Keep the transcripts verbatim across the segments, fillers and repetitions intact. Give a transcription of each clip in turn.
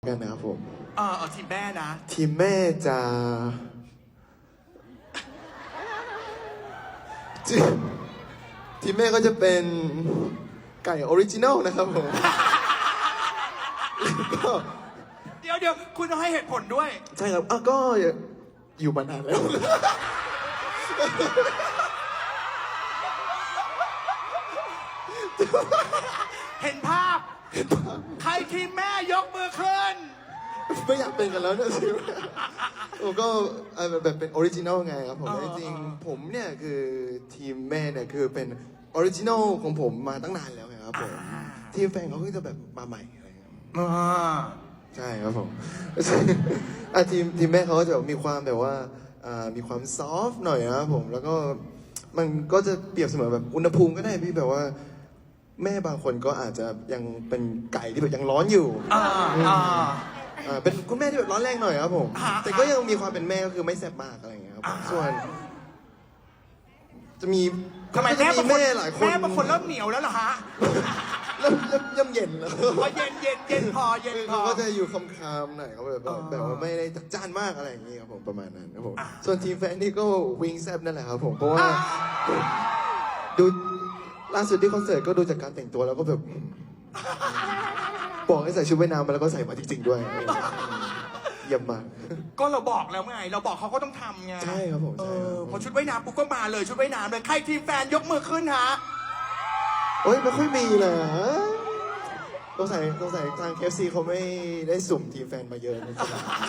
กันนะครับผมเออเอาทีมแม่นะทีมแม่จะทีมแม่ก็จะเป็นไก่ออริจินัลนะครับผมเดี๋ยวเดี๋ยวคุณต้องให้เหตุผลด้วยใช่ครับอ่ะก็อยู่มานานแล้วเห็นภาพใครทีมแม่ยกมือขึ้นไม่อยากเป็นกันแล้วนะสิผมก็แบบเป็นออริจินัลไงครับผมจริงๆผมเนี่ยคือทีมแม่เนี่ยคือเป็นออริจินัลของผมมาตั้งนานแล้วไงครับผมทีมแฟนเขาก็จะแบบมาใหม่อะไรอย่างเงี้ยใช่ครับผมอ่ะทีมทีมแม่เขาก็จะมีความแบบว่ามีความซอฟต์หน่อยนะครับผมแล้วก็มันก็จะเปรียบเสมือนแบบอุณหภูมิก็ได้พี่แบบว่าแม่บางคนก็อาจจะยังเป็นไก่ที่แบบยังร้อนอยู่อ่าอ่าเป็นคุณแม่ที่แบบร้อนแรงหน่อยครับผมแต่ก็ยังมีความเป็นแม่ก็คือไม่แซ่บมากอะไรอย่างเงี้ยครับส่วนจะมีทำไมแม่บางคนหลายคนแม่บางคนเริ่มเหนียวแล้วเหรอฮะเริ่มเริ่มเริ่มเย็นแล้วพอเย็นเย็นเย็นพอเย็นพอก็จะอยู่คำคำหน่อยเขาแบบแบบว่าไม่ได้จัดจ้านมากอะไรอย่างเงี้ยครับผมประมาณนั้นครับผมส่วนทีมแฟนนี่ก็วิงแซบนั่นแหละครับผมเพราะว่าดูล่าสุดที่คอนเสิร์ตก็ดูจากการแต่งตัวแล้วก็แบบบอกให้ใส่ชุดว่ายน้ำมาแล้วก็ใส่มาจริงๆด้วยเยี่ยมมากก็เราบอกแล้วไงเราบอกเขาก็ต้องทำไงใช่ครับผมเออพอชุดว่ายน้ำปุ๊บก็มาเลยชุดว่ายน้ำเลยใครทีมแฟนยกมือขึ้นฮะโอ้ยไม่ค่อยมีเลยต้องใส่ต้องใส่ทาง เค เอฟ ซี เขาไม่ได้สุ่มทีมแฟนมาเยอะนะ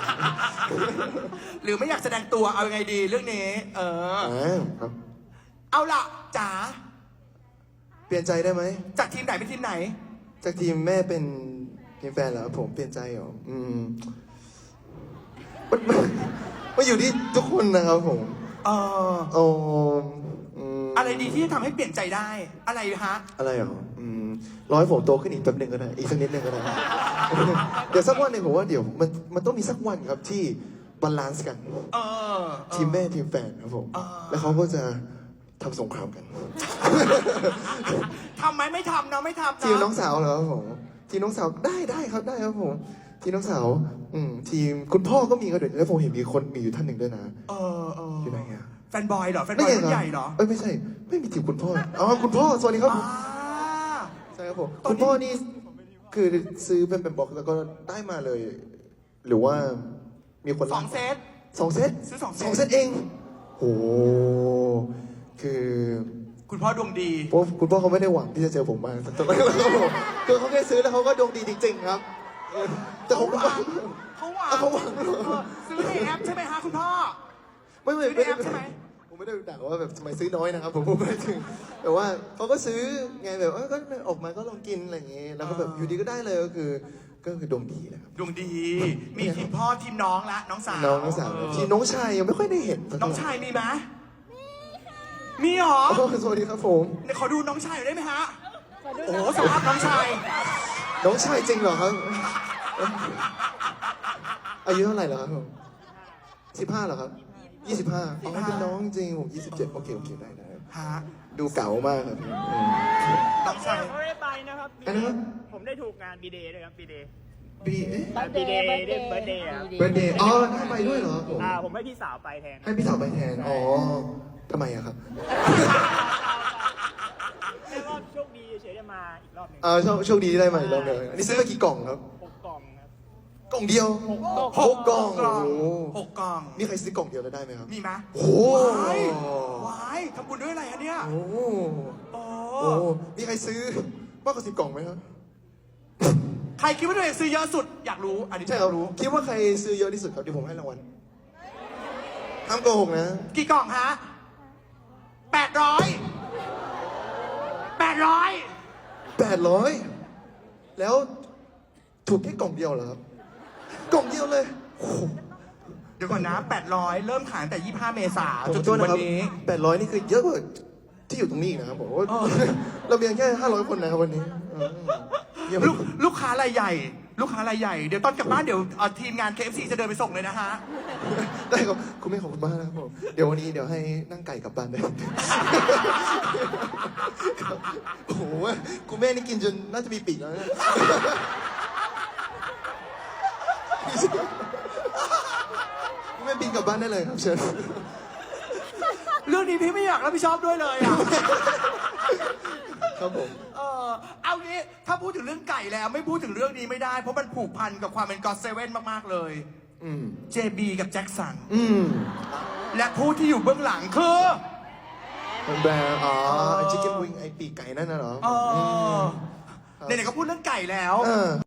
หรือไม่อยากแสดงตัวเอายังไงดีเรื่องนี้เออครับเอาล่ะจ๋าเปลี่ยนใจได้ไหมจากทีมไหนเป็นทีมไหนจากทีมแม่เป็นทีมแฟนแล้วผมเปลี่ยนใจเหรออืมมันมันอยู่ที่ทุกคนนะครับผมเออโอ้อะไรดีที่จะทำให้เปลี่ยนใจได้อะไรฮะอะไรเหรออืมรอให้ผมโตขึ้นอีกแป๊บหนึ่งก็ได้อีกสักนิดหนึ่งก็ได้เดี๋ยวสักวันหนึ่งผมว่าเดี๋ยวมันมันต้องมีสักวันครับที่บาลานซ์กันทีมแม่ทีมแฟนครับผมแล้วเขาก็จะทำสงครามกันทำไหมไม่ทำเนาะไม่ทำทีมน้องสาวเหรอครับผมทีมน้องสาวได้ได้ครับได้ครับผมทีมน้องสาวอืมทีมคุณพ่อก็มีก็เดี๋ยวแล้วผมเห็นมีคนมีอยู่ท่านหนึ่งด้วยนะเออเอออยู่ไหนอ่ะแฟนบอยเหรอแฟนบอยรุ่นใหญ่เหรอเอ้ยไม่ใช่ไม่มีทีมคุณพ่ออ๋อคุณพ่อสวัสดีครับใช่ครับผมคุณพ่อนี่คือซื้อเป็นแบบบอกแล้วก็ได้มาเลย หรือว่ามีคนสองเซตสองเซตซื้อสองเซตสองเซตเองโอ้คือคุณพ่อดวงดีเพราะคุณพ่อเขาไม่ได้หวังที่จะเจอผมมาสักตัวครับผมคือเขาแค่ซื้อแล้วเขาก็ดวงดีจริงๆครับแต่ผมเขาหวังเขาหวังซื้อในแอปใช่ไหมฮะคุณพ่อไม่ไม่ไม่ได้ใช่ไหมผมไม่ได้ด่าว่าแบบทำไมซื้อน้อยนะครับผมพูดไม่ถึงแต่ว่าเขาก็ซื้อไงแบบก็ออกมาก็ลองกินอะไรอย่างเงี้ยแล้วก็แบบอยู่ดีก็ได้เลยก็คือก็คือดวงดีนะครับดวงดีมีทีมพ่อทีมน้องละน้องสาวน้องสาวทีมน้องชายยังไม่ค่อยได้เห็นน้องชายมีไหมมีหรอสวัสดีครับผมเดี๋ยวขอดูน้องชายได้ไหมฮะโอ้โหสภาพน้องชายน้องชายจริงเหรอครับอายุเท่าไหร่แล้วครับผมสิบห้าเหรอครับยี่สิบห้าอ๋อเป็นน้องจริงผมยี่สิบเจ็ดโอเคโอเคได้ได้ฮะดูเก๋ามากครับน้องชายผมไม่ได้ไปนะครับผมได้ถูกงานบีเดย์ด้วยครับบีเดย์บีเอ๊ะบีเดย์เดย์เบิร์ดเดย์เบิร์ดเดย์อ๋อได้ไปด้วยเหรอผมอ่าผมให้พี่สาวไปแทนให้พี่สาวไปแทนอ๋อทำไมอะครับแค่ว่าโชคดีเฉยได้มาอีกรอบหนึ่งอ่าโชคโชคดีได้มาอีกรอบหนึ่งอันนี้ซื้อมากี่กล่องครับหกกล่องครับกล่องเดียวหกกล่องหกกล่องมีใครซื้อกล่องเดียวแล้วได้ไหมครับมีไหมโอ้วายทำบุญด้วยอะไรฮะเนี่ยโอ้โหมีใครซื้อมากกว่าสิบกล่องไหมครับใครคิดว่าตัวเองซื้อเยอะสุดอยากรู้อันนี้ใช่ครับรู้คิดว่าใครซื้อเยอะที่สุดครับเดี๋ยวผมให้รางวัลห้ามโกหกนะกี่กล่องฮะแปดร้อยแปดร้อยแปดร้อยแล้วถูกแค่กล่องเดียวเหรอครับกล่องเดียวเลยเดี๋ยวก่อนนะแปดร้อยเริ่มขายแต่ยี่สิบห้าเมษายนจนถึงวันนี้แปดร้อยนี่คือเยอะกว่าที่อยู่ตรงนี้นะครับผมว่าเราเพียงแค่ห้าร้อยคนนะครับวันนี้ลูกลูกค้ารายใหญ่ลูกค้ารายใหญ่เดี๋ยวตอนกลับบ้านเดี๋ยวทีมงาน เค เอฟ ซี จะเดินไปส่งเลยนะฮะได้ครับคุณแม่ขอบคุณมากนะครับผมเดี๋ยววันนี้เดี๋ยวให้นั่งไก่กลับบ้านได้โอ้โหคุณแม่นี่กินจนน่าจะมีปีกแล้วนะไม่บินกลับบ้านได้เลยครับเชิญเรื่องนี้พี่ไม่อยากรับผิดชอบด้วยเลยอ่ะครับผมเออเอางี้ถ้าพูดถึงเรื่องไก่แล้วไม่พูดถึงเรื่องนี้ไม่ได้ เพราะมันผูกพันกับความเป็นก็อดเซเว่นมากๆเลยอืมเจ บี กับแจ็คสันอืมและผู้ที่อยู่เบื้องหลังคือเป็นแบรนด์อ๋อไอชิคเก้นวิงไอปีกไก่นั่นน่ะเหรอเออไหนๆก็พูดเรื่องไก่แล้วเออ